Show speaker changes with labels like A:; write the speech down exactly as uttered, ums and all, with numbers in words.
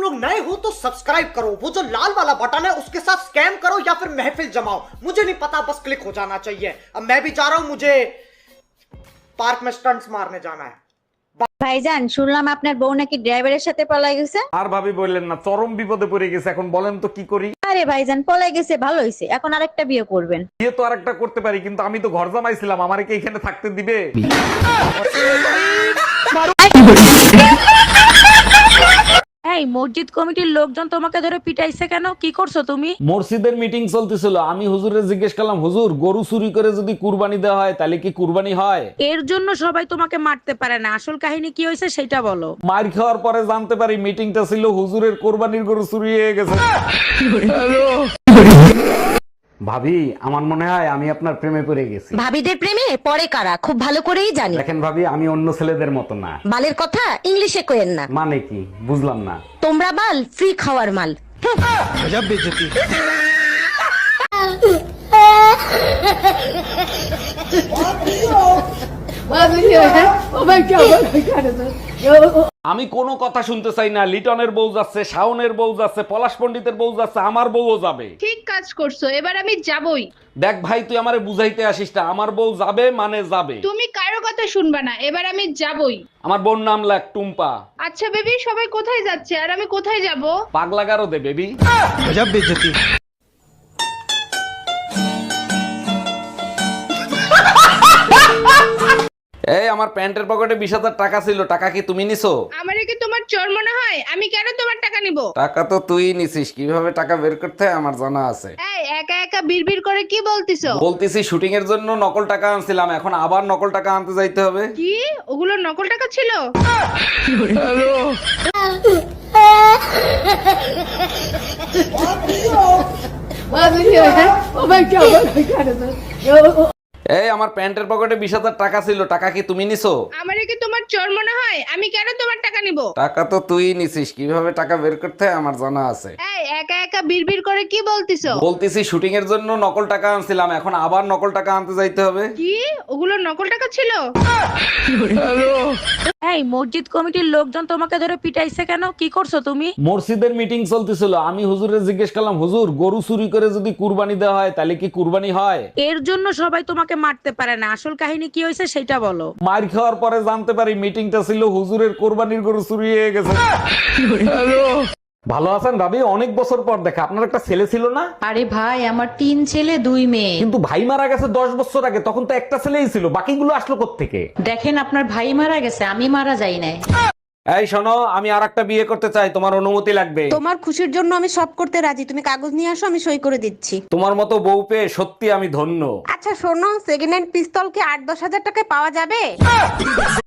A: लोग नए हो तो सब्सक्राइब करो, वो जो लाल वाला बटन है उसके साथ स्कैम करो या फिर महफिल जमाओ, मुझे नहीं पता, बस क्लिक हो जाना चाहिए। अब मैं भी जा रहा हूं, मुझे पार्क में स्टंट्स मारने जाना है।
B: ভাইজান শুনলাম আপনার বউ নাকি ড্রাইভারের সাথে পলাই গেছে।
C: আর ভাবি বললেন না, চরম বিপদে পড়ে গেছে। এখন বলেন তো কি করি?
B: আরে ভাইজান পলাই গেছে ভালো হইছে, এখন আরেকটা বিয়ে করবেন।
C: বিয়ে তো আরেকটা করতে পারি, কিন্তু আমি তো ঘর জামাইছিলাম, আমারে কি এখানে থাকতে দিবে?
D: এই মসজিদ কমিটির লোকজন তোমাকে ধরে পিটাইছে কেন? কি করছো তুমি?
C: মসজিদের মিটিং চলতেছিল, আমি হুজুরে জিজ্ঞেস করলাম, হুজুর গরু চুরি করে যদি কুরবানি দেওয়া হয় তাহলে কি কুরবানি হয়?
D: এর জন্য সবাই তোমাকে মারতে পারে না, আসল কাহিনী কি হয়েছে সেটা বলো।
C: মার খাওয়ার পরে জানতে পারি মিটিংটা ছিল হুজুরের কোরবানির গরু চুরি হয়ে গেছে। ভাবি, আমার মনে হয় আমি আপনার প্রেমে পড়ে গেছি।
E: ভাবিদের প্রেমে পড়ে কারা খুব ভালো করেই জানি।
C: দেখেন ভাবি, আমি অন্য ছেলেদের মতো না।
E: বালের কথা ইংলিশে কইেন না।
C: মানে কি বুঝলাম না।
E: তোমরা বাল ফ্রি খাওয়ার মাল।
C: আমি কোনো কথা শুনতে চাই না। লিটনের বউ যাচ্ছে, শাওনের বউ যাচ্ছে, পলাশ পণ্ডিতের বউ যাচ্ছে, আমার বউও যাবে।
F: ঠিক কাজ করছো, এবার আমি যাবই।
C: দেখ ভাই, তুই আমারে বুঝাইতে আসিস না, আমার বউ যাবে মানে যাবে।
F: তুমি কারো কথা শুনবা না, এবার আমি যাবই।
C: আমার বোন নাম লাগ টুম্পা।
F: আচ্ছা বেবি, সবাই কোথায় যাচ্ছে আর আমি কোথায় যাব?
C: পাগলা গারো দে বেবি। এই আমার প্যান্টের পকেটে বিশ হাজার টাকা ছিল, টাকা কি তুমি নিছো?
F: আমারে কি তোমার চোর মনে হয়? আমি কেন তোমার টাকা নিব?
C: টাকা তো তুই নিছিস, কিভাবে টাকা বের করতে হয় আমার জানা আছে।
F: এই একা একা বিড়বিড় করে কি বলতিছো?
C: বলতেছি শুটিং এর জন্য নকল টাকা আনছিলাম, এখন আবার নকল টাকা আনতে যাইতে হবে।
F: কি ওগুলো নকল টাকা ছিল?
C: এই আমার প্যান্টের পকেটে বিশ হাজার টাকা ছিল, টাকা কি তুমি নিছো?
F: আমারে কি তোমার চোর মনে হয়? আমি কেন তোমার টাকা নিব?
C: টাকা তো তুই নিছিস, কিভাবে টাকা বের করতে হয় আমার জানা আছে।
F: এই একা একা বিড়বিড় করে কি বলতিছো?
C: বলতেছি শুটিং এর জন্য নকল টাকা আনছিলাম, এখন আবার নকল টাকা আনতে যাইতে হবে।
F: কি ওগুলো নকল টাকা ছিল?
D: এই মসজিদ কমিটির লোকজন তোমাকে ধরে পিটাইছে কেন? কি করছো তুমি?
C: মসজিদের মিটিং চলতেছিল, আমি হুজুরে জিজ্ঞেস করলাম, হুজুর গরু চুরি করে যদি কুরবানি দেওয়া হয় তাহলে কি কুরবানি হয়?
D: এর জন্য সবাই তোমাকে মারতে পারে না, আসল কাহিনী কি হয়েছে সেটা বলো।
C: মার খাওয়ার পরে জানতে পারি মিটিংটা ছিল হুজুরের কোরবানির গরু চুরি হয়ে গেছে। ভালো আছেন ভাবি? অনেক বছর পর দেখা। আপনার একটা ছেলে ছিল না?
G: আরে ভাই, আমার তিন ছেলে দুই মেয়ে।
C: কিন্তু ভাই মারা গেছে দশ বছর আগে, তখন তো একটা ছেলেই ছিল, বাকিগুলো আসলো কোত্থেকে?
G: দেখেন, আপনার ভাই মারা গেছে, আমি মারা যাই নাই।
C: এই শোনো, আমি আর একটা বিয়ে করতে চাই, তোমার অনুমতি লাগবে।
H: তোমার খুশির জন্য আমি সব করতে রাজি, তুমি কাগজ নিয়ে আসো, আমি সই করে দিচ্ছি।
C: তোমার মতো বউ পেয়ে সত্যি আমি ধন্য।
H: আচ্ছা শোনো, সেকেন্ড হ্যান্ড পিস্তল কি আট দশ হাজার টাকায় পাওয়া যাবে?